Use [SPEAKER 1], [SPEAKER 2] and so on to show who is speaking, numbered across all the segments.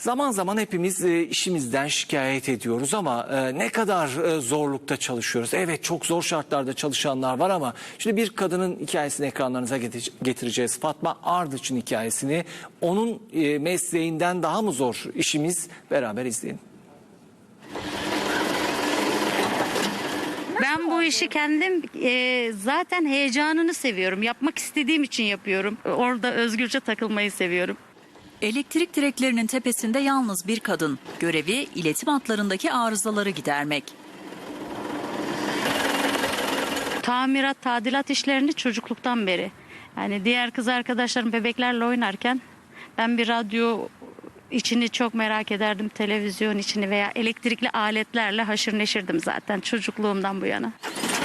[SPEAKER 1] Zaman zaman hepimiz işimizden şikayet ediyoruz ama ne kadar zorlukta çalışıyoruz. Evet, çok zor şartlarda çalışanlar var ama şimdi bir kadının hikayesini ekranlarınıza getireceğiz. Fatma Ardıç'ın hikayesini, onun mesleğinden daha mı zor işimiz, beraber izleyin.
[SPEAKER 2] Ben bu işi kendim zaten heyecanını seviyorum. Yapmak istediğim için yapıyorum. Orada özgürce takılmayı seviyorum.
[SPEAKER 3] Elektrik direklerinin tepesinde yalnız bir kadın. Görevi iletim hatlarındaki arızaları gidermek.
[SPEAKER 2] Tamirat, tadilat işlerini çocukluktan beri. Yani diğer kız arkadaşlarım bebeklerle oynarken ben bir radyo içini çok merak ederdim. Televizyon içini veya elektrikli aletlerle haşır neşirdim zaten çocukluğumdan bu yana.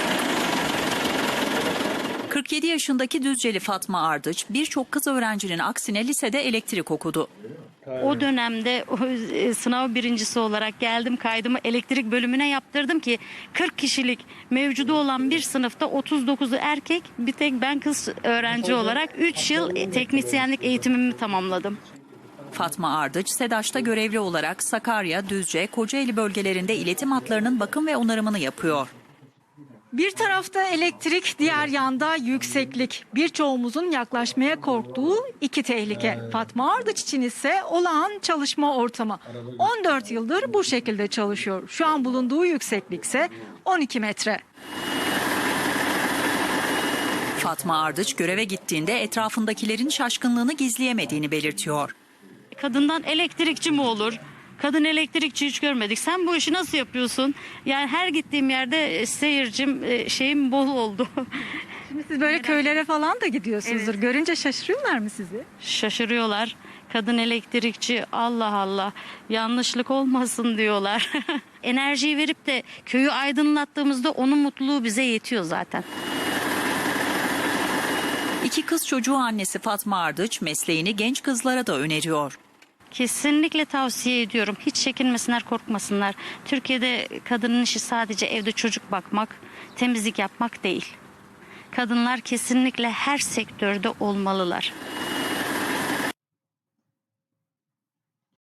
[SPEAKER 3] 47 yaşındaki Düzceli Fatma Ardıç birçok kız öğrencinin aksine lisede elektrik okudu.
[SPEAKER 2] O dönemde sınav birincisi olarak geldim, kaydımı elektrik bölümüne yaptırdım ki 40 kişilik mevcudu olan bir sınıfta 39'u erkek, bir tek ben kız öğrenci olarak 3 yıl teknisyenlik eğitimimi tamamladım.
[SPEAKER 3] Fatma Ardıç, SEDAŞ'ta görevli olarak Sakarya, Düzce, Kocaeli bölgelerinde iletim hatlarının bakım ve onarımını yapıyor.
[SPEAKER 4] Bir tarafta elektrik, diğer yanda yükseklik. Birçoğumuzun yaklaşmaya korktuğu iki tehlike. Fatma Ardıç için ise olağan çalışma ortamı. 14 yıldır bu şekilde çalışıyor. Şu an bulunduğu yükseklik ise 12 metre.
[SPEAKER 3] Fatma Ardıç göreve gittiğinde etrafındakilerin şaşkınlığını gizleyemediğini belirtiyor.
[SPEAKER 2] Kadından elektrikçi mi olur? Kadın elektrikçi hiç görmedik. Sen bu işi nasıl yapıyorsun? Yani her gittiğim yerde seyircim, şeyim bol oldu.
[SPEAKER 4] Şimdi siz böyle köylere falan da gidiyorsunuzdur.
[SPEAKER 2] Evet.
[SPEAKER 4] Görünce şaşırıyorlar mı sizi?
[SPEAKER 2] Şaşırıyorlar. Kadın elektrikçi, Allah Allah, yanlışlık olmasın diyorlar. Enerjiyi verip de köyü aydınlattığımızda onun mutluluğu bize yetiyor zaten.
[SPEAKER 3] İki kız çocuğu annesi Fatma Ardıç mesleğini genç kızlara da öneriyor.
[SPEAKER 2] Kesinlikle tavsiye ediyorum. Hiç çekinmesinler, korkmasınlar. Türkiye'de kadının işi sadece evde çocuk bakmak, temizlik yapmak değil. Kadınlar kesinlikle her sektörde olmalılar.